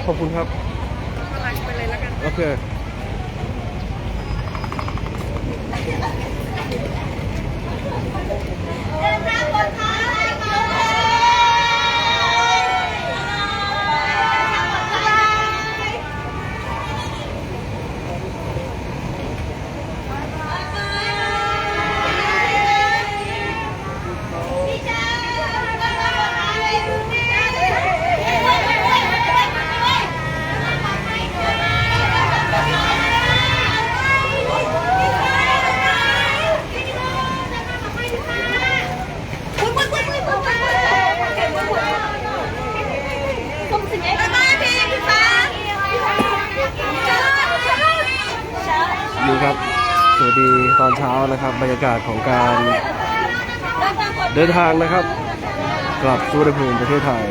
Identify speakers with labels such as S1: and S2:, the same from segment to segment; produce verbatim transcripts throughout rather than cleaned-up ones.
S1: อบคุณครับ
S2: กำลังไปเลยแล้วกัน
S1: โอเค
S2: เดินทางปลอดภัย
S1: นี่ครับสวัสดีตอนเช้านะครับบรรยากาศของการเดินทางนะครับกลับสุวรรณภูมิประเทศไทย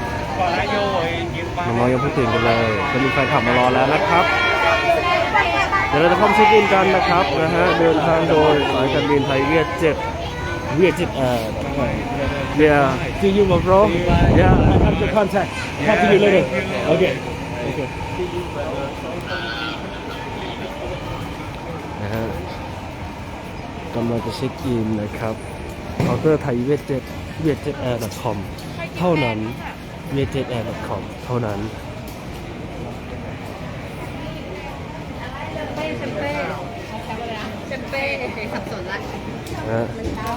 S1: น้องๆยังเพิ่งตื่นกันเลยจะมีแฟนขับมารอแล้วนะครับเดี๋ยวเราจะเข้าไปเช็คอินกันนะครับนะฮะเดินทางโดยสายการบินไทยเวียดเจ็ตเวียดเจ็ตแอร์Yeah, see you, my bro. Yeah, I have the contact. Talk to you later. Okay. Okay. นะฮะกำลังจะเช็คอินนะครับเคาน์เตอร์ไทยเวียดเจ็ตเวียดเจ็ตแอร์ .com เท่านั้นเวียดเจ็ตแอร์ .com เท่านั้น
S2: เป้เชมเป้เชมเป้สับสนละ
S1: นะฮะ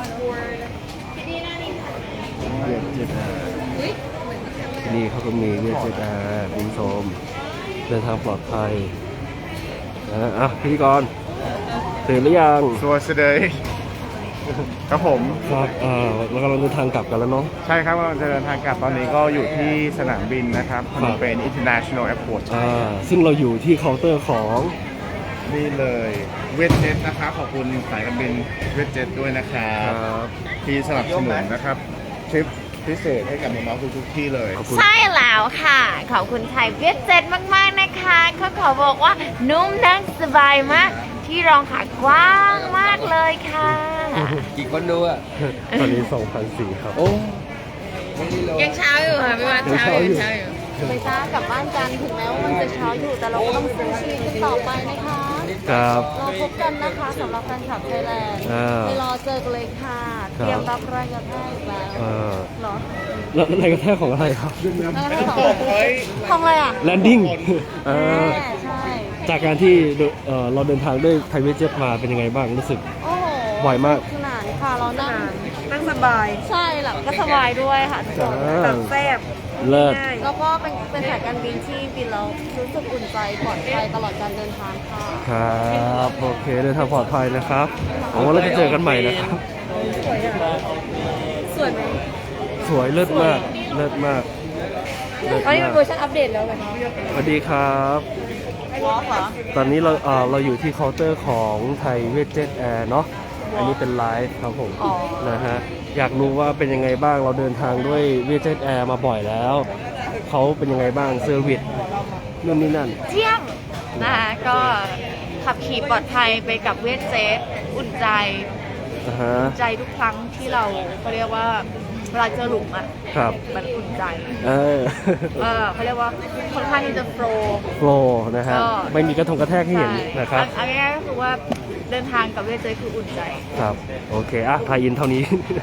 S1: เวียดเจ็ตแอร์นี่เขาก็มีเวียดเจ็ตแอร์คุณผู้ชมเดินทางปลอดภัยนะฮะอ่ะพิธีกรตื่นหรือยัง
S3: สวัสดีครับผม
S1: ครับอ่าเรากำลังเดินทางกลับกันแล้วเนาะ
S3: ใช่ครับกำลังจะเดินทางกลับตอนนี้ก็อยู่ที่สนามบินนะครับพนมเปญ International Airport
S1: อ่าซึ่งเราอยู่ที่เคาน์เตอร์ของ
S3: นี่เลยเวทเจ็ตนะครับขอบคุณสายการบินเวทเจ็ตด้วยนะครับที่สนับสนุนนะครับทริปพิเศษให้กับน้องๆทุกๆที่เลย
S2: ใช่แล้วค่ะขอบคุณไทยเวียดเจ็ตมากๆนะคะเขาขอบอกว่านุ่มนั่งสบายมากที่รองขากว้างมากเลยค่ะ
S4: กี่คนดูอ่ะ
S1: ตอนนี้ สองพันสี่ร้อย ครับ
S4: โอ้
S2: ยังเช้าอยู่ค่ะพี่วันเช้าอยู่เช้าอยู่
S5: ไปจ้ากลับบ้านกันถึงแม้ว่ามันจะเช้าอยู่แต่เราก็ต้องสู้ชีวิตกันต่อไปนะคะ
S1: ครับ
S5: เราพบกันนะคะสำหรับแฟนคลับไทยแลนด์ไปรอเจอกันเลยค่ะเตรียมรับแรงกระแทกอีกแล้วหรอ
S1: แล้วแรงกระแทกของอะไรครับ
S5: ของอะไรอ่ะ
S1: แลนดิ้ง
S5: ใช่
S1: จากการที่เราเดินทางด้วยไทยเวทเจ็ตมาเป็นยังไงบ้างรู้สึก
S5: โอ้โห
S1: บ่อยมาก
S5: ขนาดค่ะเรานั่ง
S2: นั่งสบาย
S5: ใช่หลับก็สบายด้วยค่ะ
S2: แบบแซ่บ
S1: เลิศ
S5: แล้วก็เป็นเป็นสายการบินที่บินแล้วรู้สึกอุ่นใจปลอดภัยตลอดการเดินทางค่ะ
S1: ครับโอเคเดินทางปลอดภัยนะครับหวังว่าเราจะเจอกันใหม่นะครับ
S5: สวยอ่ะสวยไหม
S1: สวยเลิศมากเลิศมาก
S5: อันนี้เป็นเวอร์ชันอัปเดตแล้วไหม
S1: สวัสดีครับตอนนี้เราเอ่อเราอยู่ที่เคาน์เตอร์ของไทยเวทเจ็ตแอร์เนาะอันนี้เป็นไลฟ์ครับผมนะฮะอยากรู้ว่าเป็นยังไงบ้างเราเดินทางด้วยเวทเจ็ตแอร์มาบ่อยแล้วเขาเป็นยังไงบ้างเซอร์วิสนู่นนี่นั่น
S2: เยี่ยมนะคะก็ขับขี่ปลอดภัยไปกับเวทเจ็ตอุ่นใจอุ่นใจทุกครั้งที่เราเขาเรียกว่าเวลาเจอหลุมอ่ะ
S1: ครับ
S2: มันอุ่นใจ
S1: เออ
S2: เออเขาเรียกว่าค่อนข้างที่จะโฟล์
S1: โฟล์นะฮะไม่มีกระทงกระแทกให้เห็นนะครับ
S2: อันนี้ก็คือว่าเดินทางกับเวทเจ็ตคืออุ่นใจ
S1: ครับโอเคอ่ะพายินเท่านี้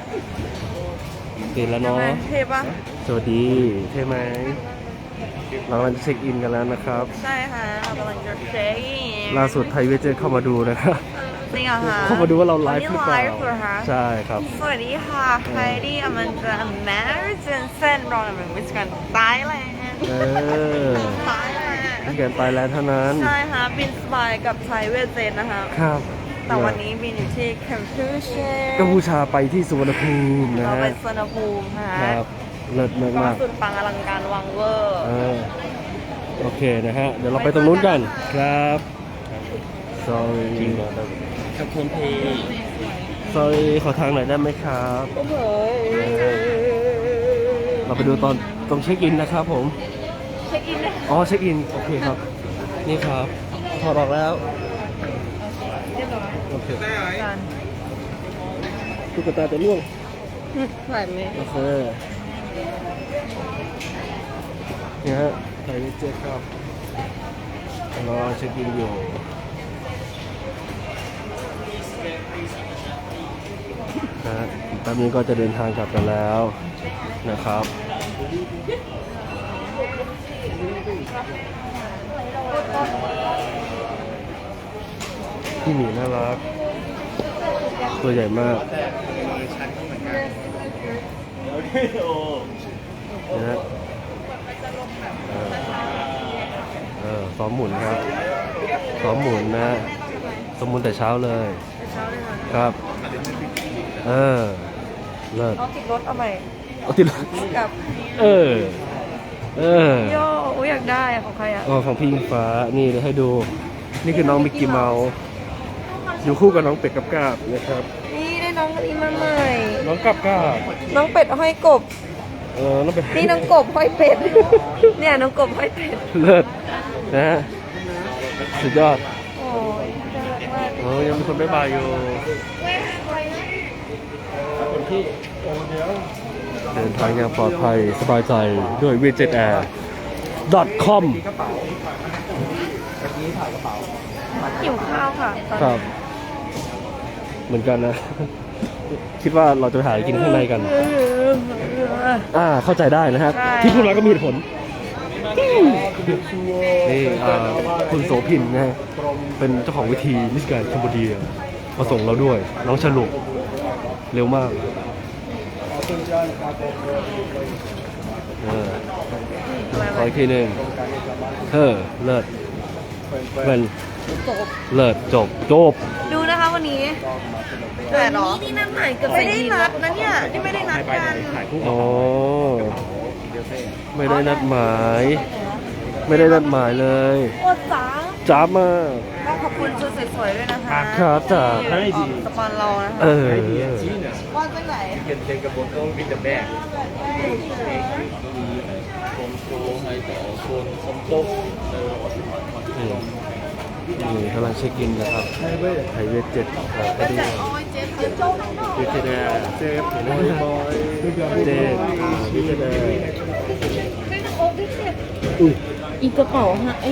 S1: ตื่นแล้วเนาะ
S2: เท่ปะ
S1: สวัสดีเท่ไหมเรากำลังจะเช็คอินกันแล้วนะครับ
S2: ใช่ค่ะเรากำลังจะเช็คอิน
S1: ล่าสุดไทยเวทเจ็ตเข้ามาดูนะครับ
S2: จริงเหรอคะ
S1: เข้ามาดูว่าเราไลฟ์หรือเปล่าใช่ครับ
S2: สวัสดีค่ะไฮดี้อมันจะอเมริกันเซนรอนอเมริกันไทยแลนด์
S1: เออ
S2: ไทยแลนด์
S1: แกนไทยแลนด์เท่านั้น
S2: ใช่ค่ะบินสบายกับไทยเวทเจ็ตนะคะ
S1: ครับ
S2: แต่วันนี้บินอยู่ที่กัมพูชา
S1: กัมพูชาไปที่สุวรรณภูมินะฮะ
S2: เราไปสุวรรณภูมิค่ะ
S1: ครับเลิศมากมาก
S2: สุดปังอลังการวังเวอร์
S1: โอเคนะฮะเดี๋ยวเราไปตรงนู้นกันครับ sorry
S4: ขอบคุณพี่
S1: sorry ขอทางหน่อยได้ไหมครับ
S2: โอ้โห
S1: เราไปดูตอนตรงเช็คอินนะครับผม
S2: เช็คอินนะ
S1: อ๋อเช็คอินโอเคครับนี่ครับถอดออกแล้วโอเคตุ๊กตาจะล่วง
S2: ไหวไหม
S1: โอเคเนี่ยฮะไทยเวทเจ็ตครับรอเช็คอินอยู่นะฮะแป๊บนี้ก็จะเดินทางกลับกันแล้วนะครับพี่หมีน่ารักตัวใหญ่มากนะฮะเออเออซ้อมหมุนครับซ้อมหมุนนะซ้อมหมุนแต่เช้าเลยครับ เออเลิศ
S2: เอาติดรถเอาใหม่
S1: เอาติด
S2: กับ
S1: เออเออ
S2: โย่อยอยากได้อะของใครอะ
S1: อ๋อของพี่อิงฟ้านี่เดี๋ยวให้ดูนี่คือน้องมิกกี้เมาส์อยู่คู่กับน้องเป็ดกับกาบนะครับ
S2: นี่ได้น้องอันนี้มาใหม่
S1: น้องกับกาบ
S2: น้องเป็ดห้อยกบ
S1: เออน้องเป็ด
S2: นี่น้องกบห้อยเป็ด เนี่ยน้องกบห้อยเป็ด
S1: เลิศนะฮะสุดยอด
S2: โอ้ยน่ารักมาก
S1: โอ้ยังมีคนบ๊ายบายอยู่เดินทางอย่างปลอดภัยสบายใจด้วย วี เจ็ด แอร์ ดอท คอม
S2: หิวข้าวค่ะตอน
S1: ครับ
S2: นี้
S1: เหมือนกันนะ คิดว่าเราจะไปหาอะไรกินข้างในกัน อ่าเข้าใจได้นะครับ
S2: ใช่
S1: ที่พูดมาก็มีเหตุผลนี่อ่าคุณโสพินนะฮะเป็นเจ้าของวิธีมิสแกรนด์คัมโบเดียมาส่งเราด้วย น้องฉลุกเร็วมากเออขออีกทีหนึ่งเออเลิศเป็นเลิศจบจบ
S2: ดูนะคะวันนี้แต่หรอนี่นั่นหมายกับไม่ได้นัดนะเนี่ยนี่ไม่ได้นัดกัน
S1: อ๋อไม่ได้นัดหมาย ไม่ได้นัดหมายเลย
S2: โอ้จ๋า
S1: จ้าบมาก
S2: ก็ขอบคุณชุดสวยๆด้วยนะคะ
S1: ครับจ้า
S2: ที่ออกสปอนเรานะคะ
S1: เออ
S2: ว่าจังไหน
S4: can take a photo with the bag
S1: นี่นี่กำลังเช็คอินนะครับไทยเวทเจ็ดครับพอดี
S2: โอ้ยเจ๊เจ๊โจ้ทั้งนอก
S1: วิทยาเจ็บเห็นไหมบอยเจ็บวิทยาอุ้ย
S5: อีกกระเป๋าฮะไอ้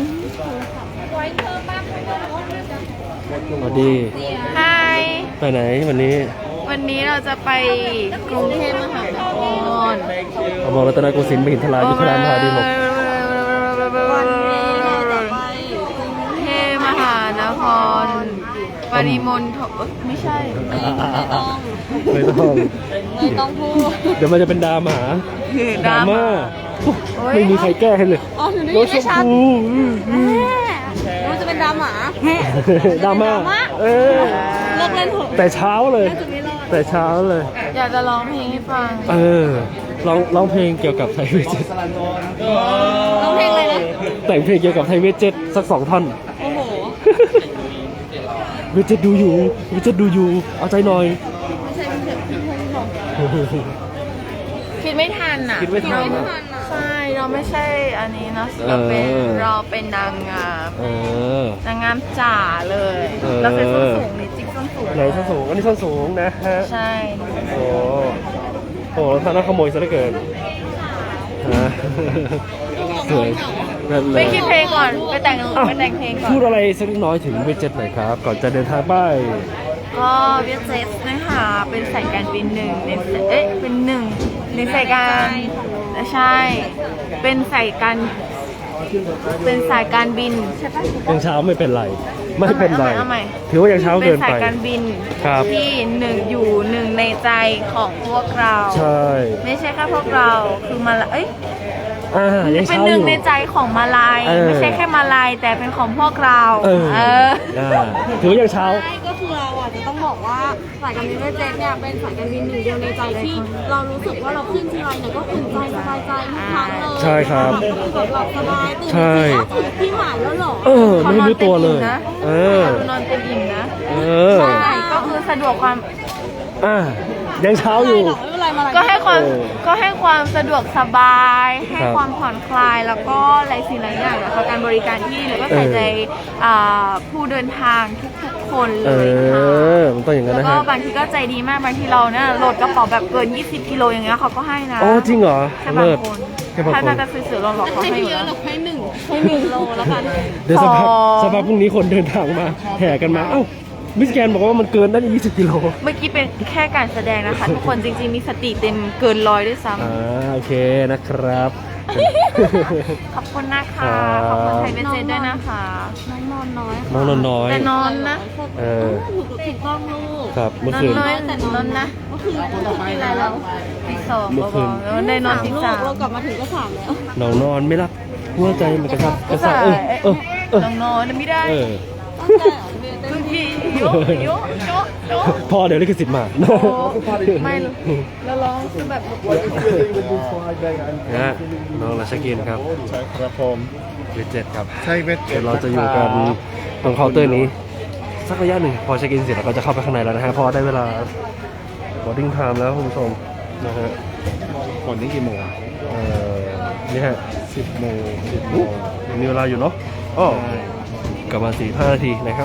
S1: สวัสดี
S2: ไฮ
S1: ไปไหนวันนี้
S2: วันนี้เราจะไปกรุงเทพมหานคร
S1: อมรรัตนโกสินทร์มหินทรายุทธรามหาดีหลก
S2: วันนี้เราจะไปกรุงเทพมหานครปริมณฑลไม่ใช่
S1: ไม่ต้อง
S5: ไม่ต้องพูด
S1: เดี๋ยวมันจะเป็นดราม่า
S2: คือ
S1: ดราม่าไม่มีใครแก้ให้เลย
S5: อ๋อหนูได้
S1: ร
S5: ยิ
S1: ถ
S5: น
S1: ช
S5: ได้
S1: ม
S5: ชัด
S1: พู
S5: รู้จะเป็นดราม่า
S1: ดราม่าเออ
S5: เลิกเล่นเถอะ
S1: แต่เช้าเลย
S5: น่าจะไม่รอด
S1: แต่เช้าเลย
S2: อยากจะร้องเพลงให้ฟัง
S1: เออร้องร้องเพลงเกี่ยวกับไทยเวทเจ็ต
S5: ร้องเพลงอะไรนะ
S1: แต่งเพลงเกี่ยวกับไทยเวทเจ็ตสักสองท่อน
S5: โอ้โห
S1: เวทเจ็ตดูอยู่เวทเจ็ตดูอยู่เอาใจหน่อย
S5: ไม่ใช่เป็นเสียงพี่พงษ์หรอก
S2: คิดไม่ทันอ่ะ
S1: คิดไม่ทัน
S5: ไม่ทันอ่ะ
S2: ใช่ เราไม่ใช่อันนี้นะเราเป็น
S1: เออ
S2: เราเป็นนางงาม
S1: เออน
S2: างงามจ๋าเลย
S1: เออ
S2: เราใส่ส้นสูงนี่จิ๊กส้นสูง
S1: ไหนส้นสูงอันนี้ส้นสูงนะฮะ
S2: ใช่
S1: โอ้โหท่านน่าขโมยซะเหลือเกินฮะสวยนั่นเล
S2: ไป
S1: ย
S2: คิดเพลงก่อน ไปแต่ง
S1: อ้าว
S2: ไปแต่งเพลงก่อน
S1: พูดอะไรสักเล็กน้อยถึงเวทเจ็ตหน่อยครับ ก่อนจะเดินทางไป
S2: ก็เวียดเจสนะคะเป็นสายการบินหนึ่งในเอ๊ะเป็นหนึ่งในสายการใช่ เป็นสายการเป็นสายการบินใช่ปะ
S1: ยังเช้าไม่เป็นไร ไม่เป็นไร
S2: เอาใหม่
S1: ถือว่ายังเช้า
S2: เป็
S1: เกิ
S2: น
S1: น
S2: สาย
S1: ไป
S2: การบิน
S1: ครับ
S2: ที่หนึ่งอยู่หนึ่งในใจของพวกเรา
S1: ใช่
S2: ไม่ใช่แค่พวกเราคือมาลาเอ้ย
S1: อ่ายัง
S2: เป็น
S1: เช้า
S2: ห
S1: อ
S2: นึ่ง
S1: ยู่
S2: ในใจของมาลาย
S1: เออ
S2: ไม่ใช่แค่มาลายแต่เป็นของพวกเรา
S1: เออ
S2: เออ
S1: อ่าถือว่ายังเช้า
S5: ใช่ก็คือเราอ่ะจะต้องบอกว่าสายการบินเวสเจ็ตเนี่ยเป็นสายการบินหนึ่งเดียวในใจที่เรารู้สึกว่าเราขึ้นทีไรเนี่ยก็อุ่นใจสบายใจทุกครั้งเลย
S1: ใช่ครับ
S5: คือแบบหลับสบายตื่น
S1: ใช่
S5: มาถึงที่หมายแล้วเหรอ
S1: เออ ไม่รู้ตัวเลย เออ
S2: เขานอนเต็มอิ่มนะ
S1: เออ
S2: ใช่ก็คือสะดวกความ
S1: อ่ายังเช้าอยู่
S5: ไม่เป็นไรมา
S2: ก็ให้ความ
S1: เออ
S2: ก็ให้ความสะดวกสบาย ให้
S1: ครับ
S2: ความผ่อนคลายแล้วก็หลายสิ่งหลายอย่างนะคะการบริการที่แล้วก็ใส่ใจอ่าผู้เดินทางทุกๆคน
S1: เอ
S2: เลยค่ะ
S1: อ มันต้องอย่างนั้น
S2: แล้ว
S1: นะ
S2: ก็
S1: ฮะ
S2: บางทีก็ใจดีมากบางทีเราเนี่ยโหลดกระเป๋าแบบเกิน ยี่สิบ กิโลอย่างเงี้ยเขาก็ให้นะ
S1: อ๋อจริงเหรอ
S2: แค่บาง
S1: เลิศ
S2: คน
S1: แค่ค่บาง
S2: ถ้า
S1: คน
S2: ถ้าจะซื้อเสือเราหลอกเขา
S5: ให้
S2: ให้อยู่
S5: เย
S2: แล้
S5: อะ
S2: ว
S5: หรอกให้หนึ่งให้หนึ่งโลแล้วกัน
S1: เดี๋ยวสักพัก
S2: สอง
S1: สักพักพรุ่งนี้คนเดินทางมาแห่กันมาเอ้ามิสแกนบอกว่ามันเกินได้ยี่สิบกิโล
S2: เมื่อกี้เป็นแค่การแสดงนะคะ ทุกคนจริงๆมีสติเต็มเกินร้อยด้วยซ้
S1: อ่าโอเคนะครับ
S2: ำขอบคุณนะคะ ขอบคุณไทยเบเจนด้วยนะคะ
S5: น้องนอนน้อยค่ะ
S1: น้องนอนน้อย
S2: แต่นอนนะ
S1: เออ
S5: ถูกถูกต้องลูก
S1: ครับเมื่อน
S2: อน
S1: คืน
S2: น้อย
S5: แต่
S2: นอนนะ
S5: เมื่อคืนเมื่อคืนกินอะไรแล้ว
S2: ตีสอง
S1: เมื่อคืน
S2: แล้วได้นอนตี
S5: ลูก
S2: สาม
S5: เรากลับมาถึงก็สามแล้ว
S1: น้องนอนไม่รับหัวใจมันกระชับกระส่ายเออเออเออ
S2: น้องนอนไม่ได้
S1: เออ
S2: บางทีโยโยโยโย
S1: พ่อเดี๋ยวลิขสิทธิ์มา
S2: ไม่เลยแล้วร้องคือแบบ
S1: นะฮะน้องราชกินครับ
S3: ใช่ครับผม
S1: เวทเจ็ดครับ
S3: ใช่เวทเจ็
S1: เดี๋
S3: ด
S1: ยวเราจะอยู่กันตรงเคาน์เตอร์นี้ สักระยะหนึ่งพอเช็คอินเสร็จเราก็จะเข้าไปข้างในแล้วนะฮะเพราะได้เวลา boarding time แล้วคุณผู้ชมนะฮะ
S3: คนนี้กี่โมง
S1: เอ่อนี่ฮะ
S3: สิบโมงสิบโมง
S1: ยังมีเวลาอยู่เนาะอ้อกลับมาสี่ห้านาทีนะครับ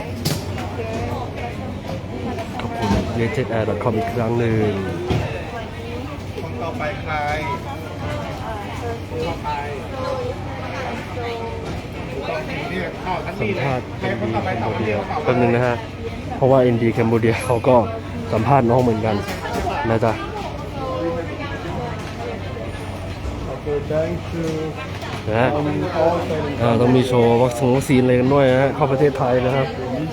S1: ขอบคุณ เวทเจ็ดแอร์ ดอท คอม อีกครั้งหนึ่ง
S3: คนต่อไปใครต่อไปเนี่ยเข้าทัน
S1: สั
S3: ที
S1: ม
S3: เลย
S1: ภาษณ์
S3: ใคร
S1: เอ็น
S3: คน
S1: ดี
S3: ต่อไป
S1: แคม
S3: ต่อ
S1: โบ
S3: ไป
S1: เดีย
S3: ต่อไป
S1: แป๊บนึงนะฮะ เพราะว่า เอ็น ดี แคมโบเดียเขาก็สัมภาษณ์น้องเหมือนกันนะจ๊ะนะฮะอ่าต้องมีโชว์วัคซีนวัคซีนอะไรกันด้วยนะฮะเข้าประเทศไทยนะครับ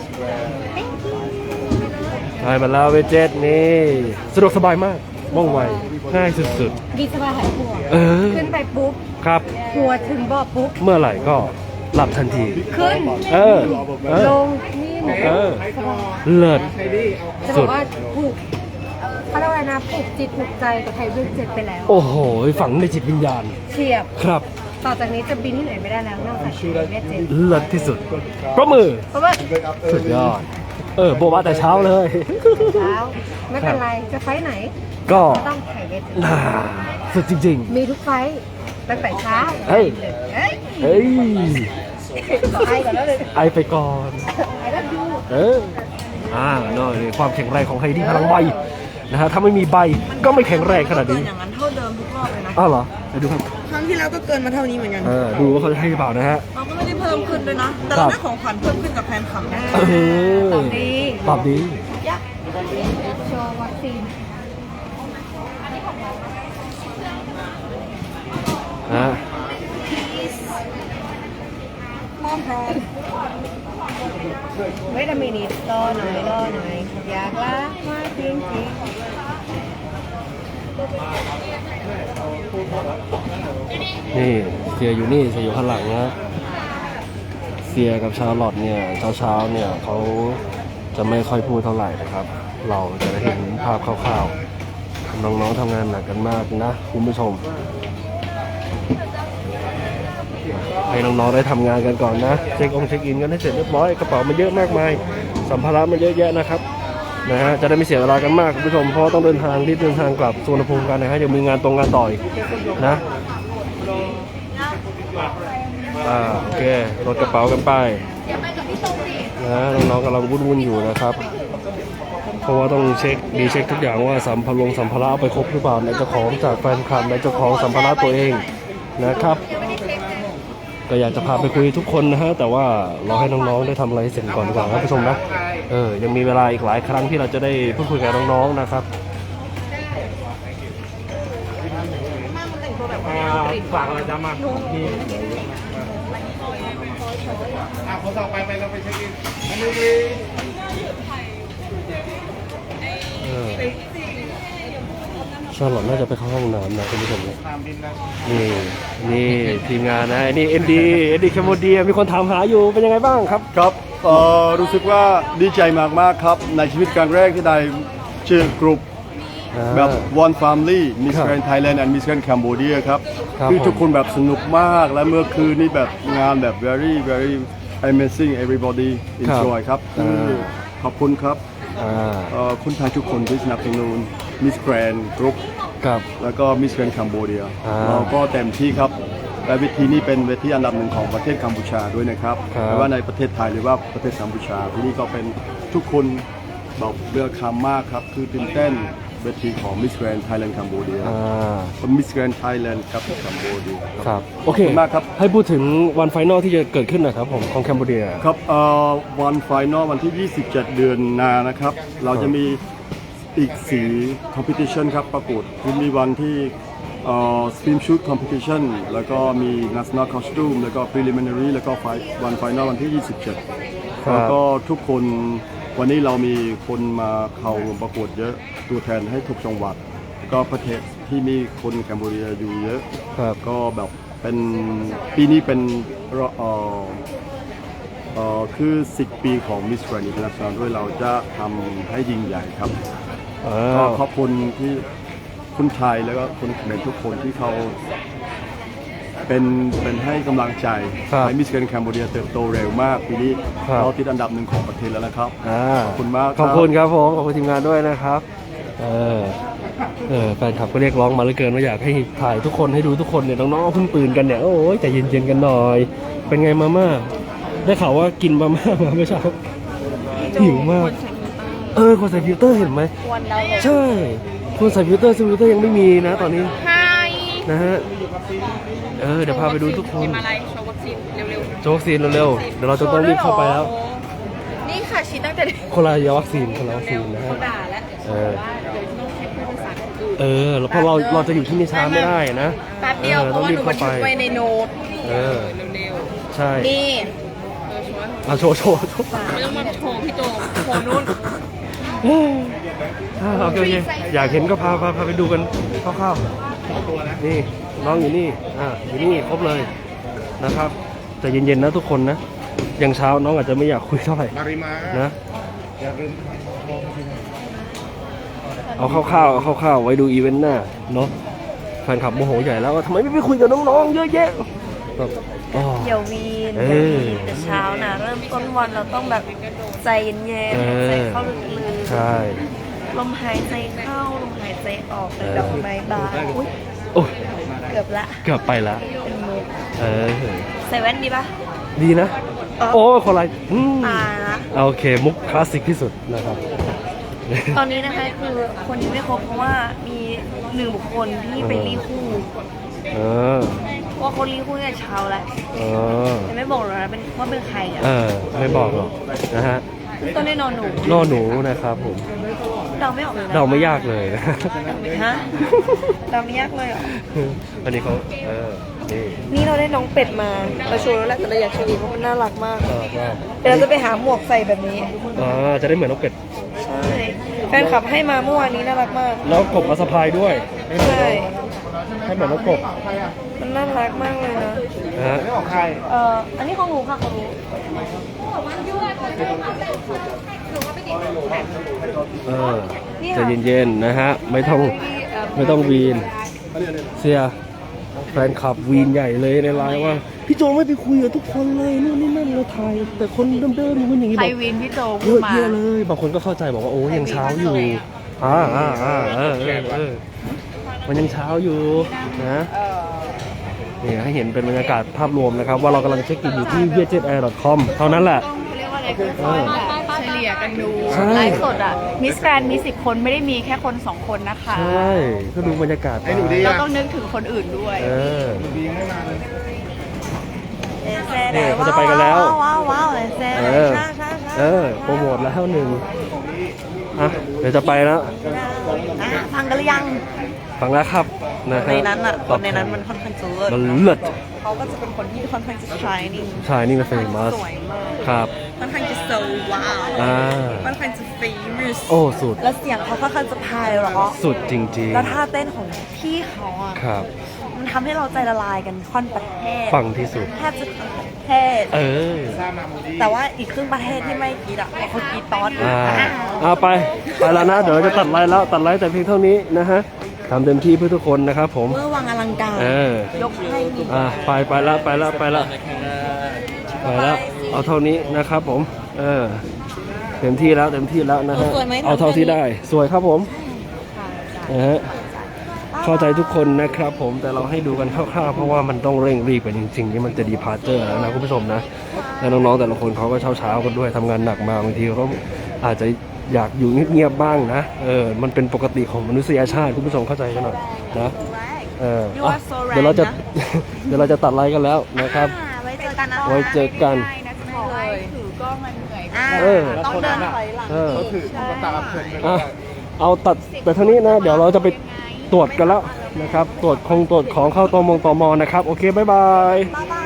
S1: ได้มาแล้วเวจเจ็ตนี่สะดวกสบายมากว่องไวง่ายสุด
S5: ดีสบายหายห่วง
S1: ๆ เออ
S5: ขึ้นไปปุ๊บ
S1: ครับ
S5: หัวถึงบ่อปุ๊บ
S1: เมื่อไหร่ก็หลับทันที
S5: ขึ้น
S1: เออเออ
S5: ลงนี่หนู
S1: เออเลิศ
S5: จะบอกว่าผูกเขาเรียกว่าอะไรนะผูกจิตผูกใจกับไทยเวทเจ็ดไปแล้ว
S1: โอ้โหฝังในจิตวิญญาณ
S5: เฉียบ
S1: ครับ
S5: ต่อจากนี้จะบินที่ไหนไม่ได้แล้วนอกจากไทยเวทเจ็ด
S1: เลิศที่สุดปรบมือ
S5: เพราะว่า
S1: สุดยอด เออโบะบะแต่เช้าเลย
S5: เช้าไม่เป็นไรจะไฟท์ไหน
S1: ก็
S5: ต้องไทยเวทเจ็ด
S1: น่าสุดจริง
S5: มีทุกไฟท์ตั้งแต่เช้า
S1: เฮ้ย
S5: เฮ้ย
S1: ๆ เฮ้ย
S5: ขอไอก่อนแล้วเลย
S1: ไอไปก่อน
S5: ไอรับดู
S1: เออ อ่าเนาะนี่ความแข็งแรงของไฮดี้พลังใบนะฮะ ถ้าไม่มีใบก็ไม่แข็งแรงขนาดนี้
S2: อย่างนั้นเท่าเดิมทุกรอบเลยนะ
S1: อ้าวเหรอไปดูครับ
S2: ครั้งที่แล้วก็เกินมาเท่านี้เหมือนกัน
S1: เออ ดูว่าเขาจะให้หรือเปล่านะฮะ
S2: เราก็ไม่ได้เพิ่มขึ้นด้วยนะ แต่
S1: ครั
S2: เรา
S1: บ
S2: ได้ของขวัญเพิ่มขึ้นกับแฟนคลับนะ
S1: เออ
S5: ตอบดี
S1: ตอบดี
S5: โชว์วัคซีน
S1: ฮะ
S5: มอมพร้อมเวทมินิตรอหน่อยรอหน่อยอยากลามาจริงจริง
S1: นี่เสียอยู่นี่เสียอยู่ข้างหลังนะเสียกับชาร์ลอตเนี่ยเช้าๆเนี่ยเขาจะไม่ค่อยพูดเท่าไหร่นะครับ เราจะได้เห็นภาพคร่าวๆน้องๆทำงานหนักกันมากนะคุณผู้ชมให้น้องๆได้ทำงานกันก่อนนะเช็คองค์เช็คอินกันให้เสร็จเรียบร้อยกระเป๋ามันเยอะมากมายสัมภาระมันเยอะแยะนะครับนะฮะจะได้ไม่เสียเวลากันมากคุณผู้ชมเพราะต้องเดินทางที่เดินทางกลับสุวรรณภูมิกันนะฮะยังมีงานตรงงานต่อยนะอ่าโอเครถกระเป๋ากันไปนะน้องๆกำลังวุ่นๆอยู่นะครับ เพราะว่าต้องเช็คดีเช็คทุกอย่างว่าสัมภาระสัมภาระเอาไปครบหรือเปล่าในเจ้าของจากแฟนคลับในเจ้าของสัมภาระตัวเองนะครับก็อยากจะพาไปคุยทุกคนนะฮะแต่ว่าเราให้น้องๆได้ทำอะไรเสร็จก่อนดีกว่าครับผู้ชมนะเออยังมีเวลาอีกหลายครั้งที่เราจะได้พูดคุยกับน้องๆนะครับ
S4: ฝากอะไรจะมา
S3: อ่ะคนต่อไปไปเราไปเช็คอินอันนี้
S1: เออชาร์ลอตน่าจะไปเข้าห้องน้ำนะคุณผู้ชมนะ
S3: ตามบินนะ
S1: นี่นี่ทีมงานนะนี่เอ็นดีเอ็นดีแคมโบเดียมีคนถามหาอยู่เป็นยังไงบ้างครับ
S6: ครับเอ่อรู้สึกว่าดีใจมากๆครับ ในชีวิตครั้งแรกที่ได้เชื่อกลุ่มแบบ One Family Miss
S1: ครับ
S6: Grand Thailand and Miss Grand Cambodia ครับ
S1: ครับ
S6: คือทุก
S1: ผม
S6: คนแบบสนุกมากและเมื่อคืนนี้แบบงานแบบ very very amazing everybody enjoy ครับ
S1: อ่า
S6: ขอบคุณครับ
S1: อ่า
S6: เอ่อคุณไทยทุกคนที่สนับสนุน Miss Grand Group
S1: กับ
S6: แล้วก็ Miss Grand Cambodia
S1: อ่า
S6: เราก็เต็มที่ครับและเวทีนี้เป็นเวทีอันดับหนึ่งของประเทศกัมพูชาด้วยนะครับ
S1: ครับ
S6: ไม่ว่าในประเทศไทยหรือว่าประเทศกัมพูชาที่นี่ก็เป็นทุกคนบอกเรือคำมากครับคือตื่นเต้นเวทีของ Miss Grand Thailand Cambodia
S1: อ่า
S6: Miss Grand Thailand ครับกัมพูชา
S1: ครับโอเค
S6: ขอบคุณมากครับ
S1: ให้พูดถึงวันไฟนอลที่จะเกิดขึ้นหนะครับผมของแคนเบเรีย
S6: ครับเอ่อวันไฟนอลวันที่ ยี่สิบเจ็ด เดือนหนานะครับ เราจะมีอีกสี competition ครับประกวดคือมีวันที่เอ่อ swim shoot competition แล้วก็มี national costume แล้วก็ preliminary แล้วก็ไฟวันไฟนอลวันที่ ยี่สิบเจ็ด
S1: ครับ
S6: แล้วก็ทุกคนวันนี้เรามีคนมาเข้าร่วมประกวดเยอะตัวแทนให้ทุกจังหวัด ก็ประเทศที่มีคนแคนเบเรียอยู่เยอะ
S1: ครับ
S6: ก็แบบเป็นปีนี้เป็นเอ่อเอ่อคือ สิบ ปีของ Miss Grand International ด้วยเราจะทำให้ยิ่งใหญ่ครับ
S1: อ่า
S6: ก็ขอบคุณที่คนไทยแล้วก็คนเขมรทุกคนที่เขาเป็นเป็นให้กำลังใจ
S1: ครับ
S6: ให้ Miss Grand Cambodia เติบโตเร็วมากปีนี้
S1: ครับ
S6: เราติดอันดับหนึ่งของประเทศแล้วนะครับ
S1: อ่า
S6: ขอบคุณมากครับ
S1: ขอบคุณครับผมขอบคุณทีมงานด้วยนะครับเออเออแฟนคลับก็เรียกร้องมาเหลือเกินว่าอยากให้ถ่ายทุกคนให้ดูทุกคนเนี่ยน้องๆเพิ่งปืนกันเนี่ยโอ้ยใจเย็นๆกันหน่อย เป็นไงมาม่าได้ข่าวว่ากินมาม่ามาเมื่อเช้าหิวมากเออคนใส่ฟิลเตอร์เห็นไหม
S2: วันดาว
S1: ใช่คนใส่ฟิลเตอร์ซึ่งฟิลเตอร์ยังไม่มีนะตอนนี้
S2: ไฮ
S1: นะฮะเออเดี๋ยวพาไปดูทุกคน
S2: มาอะไรโชว์วัคซีนเร็ว
S1: โชว์วัคซีนเร็วๆเดี๋ยวเราจะต้องรีบเข้าไปแล้ว
S2: ๆนี่ค่ะฉีดตั้งแต่เด็ก
S1: คนละยาวัคซีนคนละวัคซีนนะฮะ
S2: ด่าแล้ว
S1: เออเออแล้วเพราะเราเราจะอยู่ที่นี่ช้าไม่ได้นะ
S2: แป๊บเดียว
S1: ออ
S2: เพราะว่าหนูบันทึกไว้ในโน้ต
S1: เออ
S2: เร็ว
S1: ใช่
S2: ๆนี่
S1: เอาโชว์โชว์โชว์
S2: ไม่ต้องมาโชว์พี่โจโชว์นู่น
S1: อ่าโอเคโอเคอยากเห็นก็พาพาพาไปดูกันคร่าวๆนี่น้องอยู่นี่อ่าอยู่นี่ครบเลยนะครับแต่เย็นๆนะทุกคนนะยังเช้าน้องอาจจะไม่อยากคุยเท่าไหร่
S3: มาริมา
S1: นะ
S3: อย่าลืม
S1: เอาคร่าวๆเอาคร่าวๆไว้ดูอีเวนต์หน้าเนาะแฟนคลับโมโหใหญ่แล้วว่าทำไมไม่ไปคุยกับน้องๆเยอะแยะแบบอ๋อ
S2: เดี๋ยววีน
S1: เอ
S2: เดี๋ยว
S1: อ
S2: วีนแต่เช้านะเริ่มต้นวันเราต้องแบบใจเย็น
S1: เออ
S2: ๆใจเข้าลึก
S1: ใช่
S2: ๆลมหายใจเข้าลมหายใจออกเป็นดอกไม้บานอุ๊ย
S1: โอ้ย
S2: เกือบละ
S1: เกือบไปละ
S2: เป็นมุก
S1: เออ
S2: ใส่แว่นดีปะ
S1: ดีนะ
S2: อ๋อ
S1: โอ้ยคนไรอืม
S2: ตายละ
S1: โอเค มุกคลาสสิกที่สุดนะครับ
S2: ตอนนี้นะคะคือคนยังไม่ครบเพราะว่ามีหนึ่งบุคคลที่ไปรีคู่
S1: เออ
S2: เพราะว่าเขารีคู่ตั้งแต่เช้าแล้ว
S1: เออ
S2: ยังไม่บอกเลยนะเป็นว่าเป็นใครอ่ะ
S1: เออ ไม่บอกหรอกนะฮะ
S2: ต้นได้นอนหนู
S1: นอหนูนะครับผม
S2: เดาไม่ออกเลยนะ
S1: เดาไม่ยากเลย
S2: ฮะเดาไม่ยากเลยเหรอ
S1: วันนี้เขาเออ นี่
S2: นี่เราได้น้องเป็ดมาเราโชว์แล้วแหละแต่เราอยากโชว์อีกเพราะมันน่ารักมาก
S1: ก็ก็
S2: เดี๋ยวเราจะไปหาหมวกใส่แบบนี้
S1: อ่าจะได้เหมือนน้องเป็ด
S2: ใช่แฟนคลับให้มาเมื่อวานนี้น่ารักมาก
S1: แล้วกบมาสะพายด้วยให้เหมือน
S2: ใช่
S1: ให้เหมือนน้องกบ
S2: มันน่ารักมากเลยนะ
S1: นะฮะ
S2: เอ่ออันนี้ของหนูค่ะของหนู
S1: เออใจะเย็นๆนะฮะ ไม่ต้องไม่ต้องวีน เสียแฟนคลับวีนใหญ่เลยในไลน์ว่า พี่โจไม่ไปคุยกับทุกคนเลยนู่นนี่นั่นเราถ่ายแต่คนเดิมๆอย่างนู้นอย่างนี้
S2: ไท
S1: บ
S2: ย
S1: อก
S2: วินพี่โจ
S1: เย
S2: พูด
S1: อะ
S2: มา
S1: แยะเลยบางคนก็เข้าใจบอกว่าโอ้ยังเช้าอยู่อ่าอ่าอ่าเออเออเออมันยังเช้าอยู่นะนี่ให้เห็นเป็นบรรยากาศภาพรวมนะครับ ว่าเรากำลังเช็คอินอยู่ที่ วี เจ็ด แอร์ ดอท คอม เท่านั้นแหละ
S2: เขาเรียกว่าอะไรค่อยๆแบบเฉลี่ยกันดู
S1: ใช่
S2: ไลฟ์สดอ่ะมิสแกรนมีสิบคนไม่ได้มีแค่คนสองคนนะคะ
S1: ใช่ก็ดูบรรยากาศ
S3: ไอ้หนูดี
S2: เรา
S3: อ่ะ
S2: ต้องนึกถึงคนอื่นด้วย
S1: เออ
S3: หนูดีไม่มาเลย
S1: นี่เขาจะไปกันแล้ว
S2: ว้าวว้าวเลยเซ่
S1: เออ
S2: ใช่ใช่ใช่
S1: เออ โปรโมทแล้วหนึ่งอ่ะเดี๋ยวจะไปแล้ว
S2: อ่ะฟังกันหรือยัง
S1: ฟังแล้วครับนะฮะ
S2: ในนั้นอ่ะคนในนั้นมันค่อนข้างจะเลิศ
S1: มันเลิศ
S2: เขาก็จะเป็นคนที่ค่อนข้างจะ shining
S1: ชายนี่เป็นเฟมัส
S2: สวยมาก
S1: ครับ
S2: ค่อนข้างจะ so ว้าว
S1: อ่า
S2: ค่อนข้างจะ famous
S1: โอ้ สุด
S2: แล้วเสียงเขาค่อนข้างจะพายเราะ
S1: สุดจริง
S2: แล้วท่าเต้นของพี่เขาอ่ะ
S1: ๆ ครับ
S2: มันทำให้เราใจละลายกันค่อนประเทศ
S1: ฟังที่สุด
S2: แทบจะทั้งประเทศ
S1: เออ
S2: แต่ว่าอีกครึ่งประเทศที่ไม่กรีดอ่ะเพราะเขากรีดตอน
S1: อ่า
S2: อ่า
S1: เอาไป ไปแล้วนะ เดี๋ยวเราจะตัดไลน์แล้ว ตัดไลน์แต่เพียงเท่านี้นะฮะทำเต็มที่เพื่อทุกคนนะครับผม
S2: เมื่อวังอลังการ
S1: เออ
S2: ยกให้มี
S1: อ่า ไปไปแล้วไปแล้วไปแล้วไปแล้ว เอาเท่านี้นะครับผม เออ เต็มที่แล้วเต็มที่แล้วนะฮะ เอาเท่าที่ได้ สวยครับผมนะฮะ เข้าใจทุกคนนะครับผม แต่เราให้ดูกันคร่าวๆ เพราะว่ามันต้องเร่งรีบกันจริงๆ นี่มันจะดีพาร์เจอร์แล้วนะคุณผู้ชมนะ แล้วน้องๆแต่ละคนเขาก็เช้าๆกันด้วยทำงานหนักมาบางทีเขาอาจจะอยากอยู่เงียบๆบ้างนะเออมันเป็นปกติของมนุษยชาติคุณผู้ชมเข้าใจกันหน่อยนะเออ
S2: You
S1: อ่ะ
S2: are so
S1: เดี๋ยวเราจะ
S2: random
S1: เดี๋ยวเราจะตัดไลฟ์กันแล้วนะครับ
S2: ไว้เจอกันนะ
S1: ไว้เจอกัน
S2: เลยถือกล้องมันเหนื่อยอ่า
S1: เออ
S2: ต้องเดินถอยหลัง
S1: เออ
S3: ก็คือตุ๊กตาเพลินไปเล
S1: อ่ะ
S3: ย
S1: เอาตัดแต่เท่านี้นะ เดี๋ยวเราจะไปตรวจกันแล้วนะครับ ตรวจคงตรวจของเข้าตมงตมนะครับ โอเค บ๊ายบาย
S5: บ๊ายบาย